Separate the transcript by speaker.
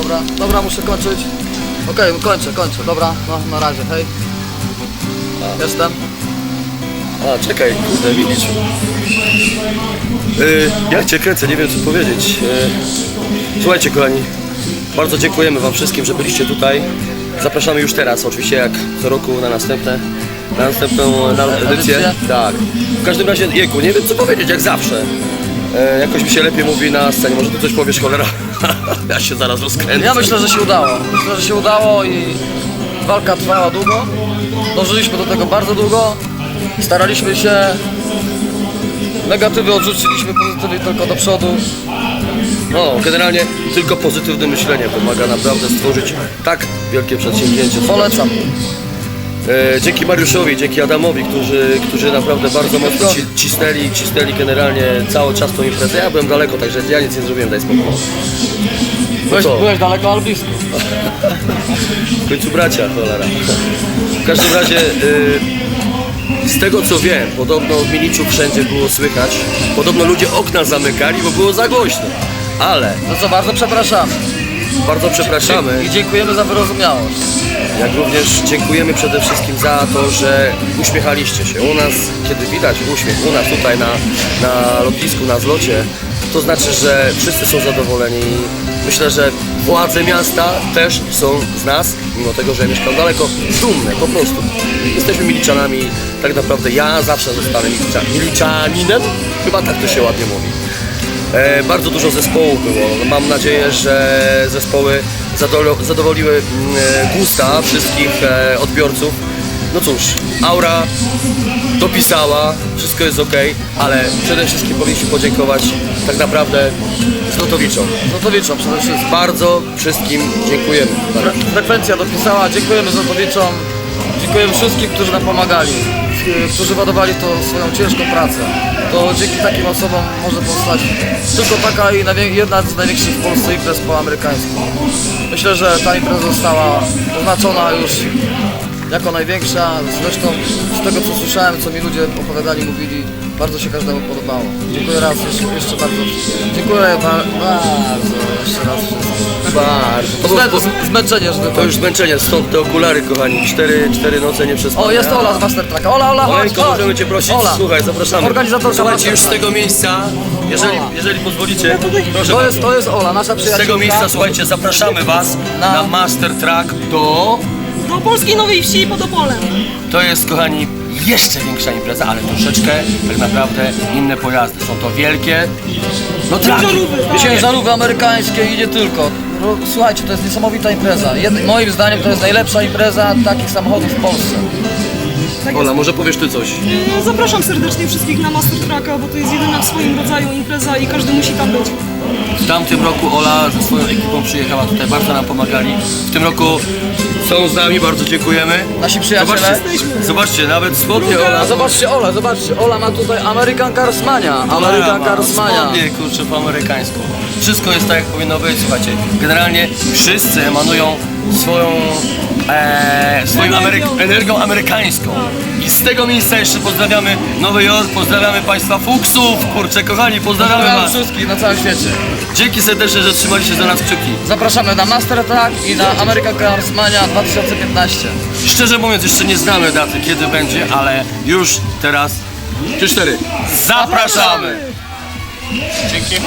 Speaker 1: Dobra, muszę kończyć. Okej, kończę, dobra, no na razie, hej. Jestem.
Speaker 2: A, czekaj, kurde, widzisz. Ja cię kręcę, nie wiem co powiedzieć. Słuchajcie kochani, bardzo dziękujemy wam wszystkim, że byliście tutaj. Zapraszamy już teraz, oczywiście jak co roku na następną edycję. Tak. W każdym razie, Jeku, nie wiem co powiedzieć, jak zawsze. Jakoś mi się lepiej mówi na scenie, może ty coś powiesz, cholera? Ja się zaraz rozkręcę.
Speaker 1: Ja myślę, że się udało. Myślę, że się udało i walka trwała długo. Dążyliśmy do tego bardzo długo. Staraliśmy się. Negatywy odrzuciliśmy, pozytywy tylko do przodu.
Speaker 2: No, generalnie tylko pozytywne myślenie pomaga naprawdę stworzyć tak wielkie przedsięwzięcie.
Speaker 1: Polecam.
Speaker 2: Dzięki Mariuszowi, dzięki Adamowi, którzy naprawdę bardzo mocno cisnęli generalnie cały czas tą imprezę. Ja byłem daleko, także ja nic nie zrobiłem, daj spokój.
Speaker 1: Byłeś daleko, ale blisko.
Speaker 2: W końcu bracia, cholera. W każdym razie, z tego co wiem, podobno w Miliczu wszędzie było słychać. Podobno ludzie okna zamykali, bo było za głośno. Ale
Speaker 1: No co, bardzo przepraszamy.
Speaker 2: bardzo przepraszamy.
Speaker 1: I dziękujemy za wyrozumiałość.
Speaker 2: Jak również dziękujemy przede wszystkim za to, że uśmiechaliście się. U nas, kiedy widać uśmiech, u nas tutaj na lotnisku, na zlocie, to znaczy, że wszyscy są zadowoleni. Myślę, że władze miasta też są z nas, mimo tego, że mieszkam daleko, dumne po prostu. Jesteśmy Miliczanami, tak naprawdę ja zawsze zostanę Miliczaninem, chyba tak to się ładnie mówi. Bardzo dużo zespołów było. Mam nadzieję, że zespoły zadowoliły gusta wszystkich odbiorców. No cóż, Aura dopisała, wszystko jest ok, ale przede wszystkim powinniśmy podziękować tak naprawdę Zlotowiczom.
Speaker 1: Złotowiczom przede wszystkim.
Speaker 2: Bardzo wszystkim dziękujemy.
Speaker 1: Frekwencja dopisała, dziękujemy Złotowiczom. Dziękujemy wszystkim, którzy nam pomagali, którzy ładowali to swoją ciężką pracę. To dzięki takim osobom może powstać tylko taka i jedna z największych w Polsce imprez po amerykańsku. Myślę, że ta impreza została oznaczona już jako największa. Zresztą z tego co słyszałem, co mi ludzie opowiadali, mówili, bardzo się każdemu podobało. Dziękuję raz, jeszcze bardzo. Dziękuję bardzo, jeszcze raz wszystkim.
Speaker 2: Bardzo.
Speaker 1: Zmęczenie, że
Speaker 2: To już zmęczenie, stąd te okulary, kochani. 4 noce nie przespane.
Speaker 1: O, jest Ola z Master Tracka. Ola, chodź,
Speaker 2: Oleńko,
Speaker 1: chodź.
Speaker 2: możemy cię prosić?
Speaker 1: Ola.
Speaker 2: Słuchaj, zapraszamy.
Speaker 1: Organizatorka
Speaker 2: Słuchajcie, już z
Speaker 1: Master
Speaker 2: tego miejsca, jeżeli pozwolicie, proszę bardzo.
Speaker 1: To jest Ola, nasza
Speaker 2: Z
Speaker 1: przyjaciółka.
Speaker 2: tego miejsca, słuchajcie, zapraszamy was na Master Track do
Speaker 3: Polskiej Nowej Wsi pod Opolem.
Speaker 2: To jest, kochani, jeszcze większa impreza, ale troszeczkę tak naprawdę inne pojazdy. Są to wielkie, no traki.
Speaker 1: Ciężarówki amerykańskie i nie tylko. No, słuchajcie, to jest niesamowita impreza. Moim zdaniem to jest najlepsza impreza takich samochodów w Polsce.
Speaker 2: Ola, może powiesz ty coś?
Speaker 3: Zapraszam serdecznie wszystkich na Master Tracka, bo to jest jedyna w swoim rodzaju impreza i każdy musi tam być.
Speaker 2: W tamtym roku Ola ze swoją ekipą przyjechała tutaj, bardzo nam pomagali. W tym roku są z nami, bardzo dziękujemy.
Speaker 1: Nasi przyjaciele.
Speaker 2: Zobaczcie, nawet spodnie Ola.
Speaker 1: Zobaczcie, Ola ma tutaj American Carsmania. American Carsmania.
Speaker 2: Spodnie, kurczę, po amerykańsku. Wszystko jest tak, jak powinno być, słuchajcie. Generalnie wszyscy emanują swoją energią amerykańską. I z tego miejsca jeszcze pozdrawiamy Nowy Jork, pozdrawiamy Państwa Fuksów, kurczę, kochani, pozdrawiamy Was.
Speaker 1: Wszystkich na całym świecie.
Speaker 2: Dzięki serdecznie, że trzymaliście za nas kciuki.
Speaker 1: Zapraszamy na Master Track i na American Carsmania 2015.
Speaker 2: Szczerze mówiąc, jeszcze nie znamy daty, kiedy będzie, ale już teraz 3-4. Zapraszamy! Dzięki.